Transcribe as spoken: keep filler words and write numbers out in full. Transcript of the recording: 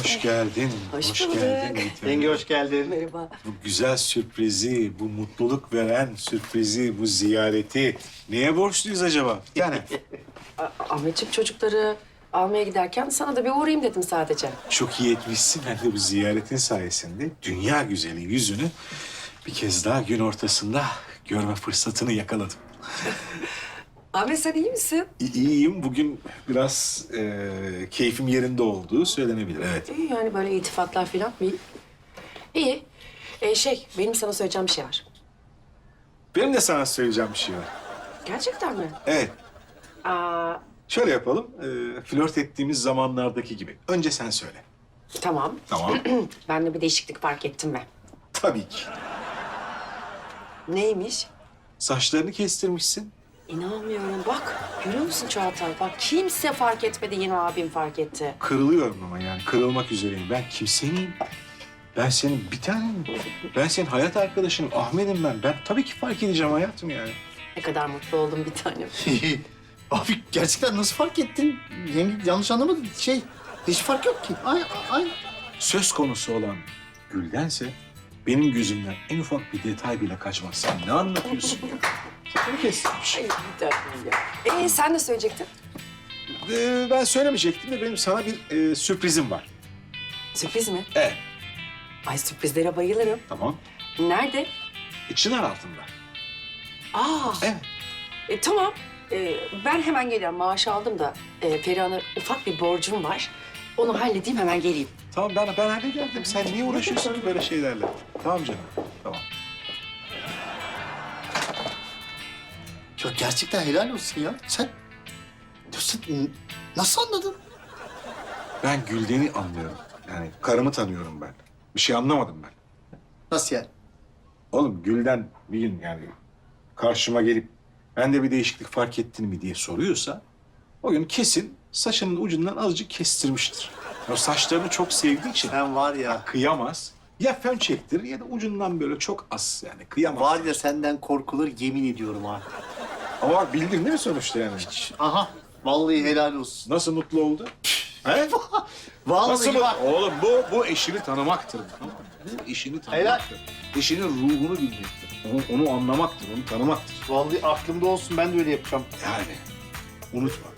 Hoş geldin. Hoş geldin. bulduk. Yiğit Hanım. Yenge hoş geldin. Merhaba. Bu güzel sürprizi, bu mutluluk veren sürprizi, bu ziyareti neye borçluyuz acaba? Bir tane. A- Ahmetciğim çocukları almaya giderken sana da bir uğrayayım dedim sadece. Çok iyi etmişsin. Ben de bu ziyaretin sayesinde dünya güzeli yüzünü bir kez daha gün ortasında görme fırsatını yakaladım. Ahmet sen iyi misin? İ- İyiyim. Bugün biraz e, keyfim yerinde olduğu söylenebilir. Evet. İyi yani böyle iltifatlar falan iyi. İyi. Ee, şey benim sana söyleyeceğim bir şey var. Benim de sana söyleyeceğim bir şey var. Gerçekten mi? Evet. Aa, Şöyle yapalım. E, flört ettiğimiz zamanlardaki gibi. Önce sen söyle. tamam. Tamam. Ben de bir değişiklik fark ettim ben. Tabii ki. Neymiş? Saçlarını kestirmişsin. İnanmıyorum. Bak görüyor musun Çağatay? Bak kimse fark etmedi yine abim fark etti. Kırılıyorum ama yani kırılmak üzereyim. Ben kimseyim. Ben senin bir tanem. Ben senin hayat arkadaşınım. Ahmet'im ben. Ben tabii ki fark edeceğim hayatım yani. Ne kadar mutlu oldum bir tanem. Abi gerçekten nasıl fark ettin? Yenge yanlış anlamadın. Şey, hiç fark yok ki. Ay, ay. Söz konusu olan Gül'dense benim gözümden en ufak bir detay bile kaçmaz. Sen ne anlatıyorsun ya? Saçını kestirmiş. Ay bir tanem ya. Ee sen ne söyleyecektin? Ee, ben söylemeyecektim de benim sana bir e, sürprizim var. Sürpriz mi? Evet. Ay sürprizlere bayılırım. Tamam. Nerede? E, çınar altında. Aa. Evet. E, tamam. E, ben hemen geliyorum. Maaş aldım da e, Perihan'a ufak bir borcum var. Onu halledeyim hemen geleyim. Tamam ben, ben hallederdim. Sen niye uğraşıyorsun ki böyle şeylerle? Tamam canım. Tamam. Ya gerçekten helal olsun ya. Sen, sen nasıl anladın? Ben Gülden'i anlıyorum. Yani karımı tanıyorum ben. Bir şey anlamadım ben. Nasıl yani? Oğlum Gülden bir gün yani karşıma gelip ben de bir değişiklik fark ettin mi diye soruyorsa o gün kesin saçının ucundan azıcık kestirmiştir. O saçlarını çok sevdiği için Sen var ya, kıyamaz. Ya fön çektirir ya da ucundan böyle çok az yani kıyamaz. var ya senden korkulur yemin ediyorum abi. Ama bak bildin değil mi sonuçta yani? Aha, vallahi helal olsun. Nasıl mutlu oldu? He? Vallahi Nasıl bak. mutlu? Oğlum bu, bu eşini tanımaktır. Bu eşini tanımaktır. Eşinin ruhunu bilmektir. Onu, onu anlamaktır, onu tanımaktır. Vallahi aklımda olsun ben de öyle yapacağım. Yani unutma.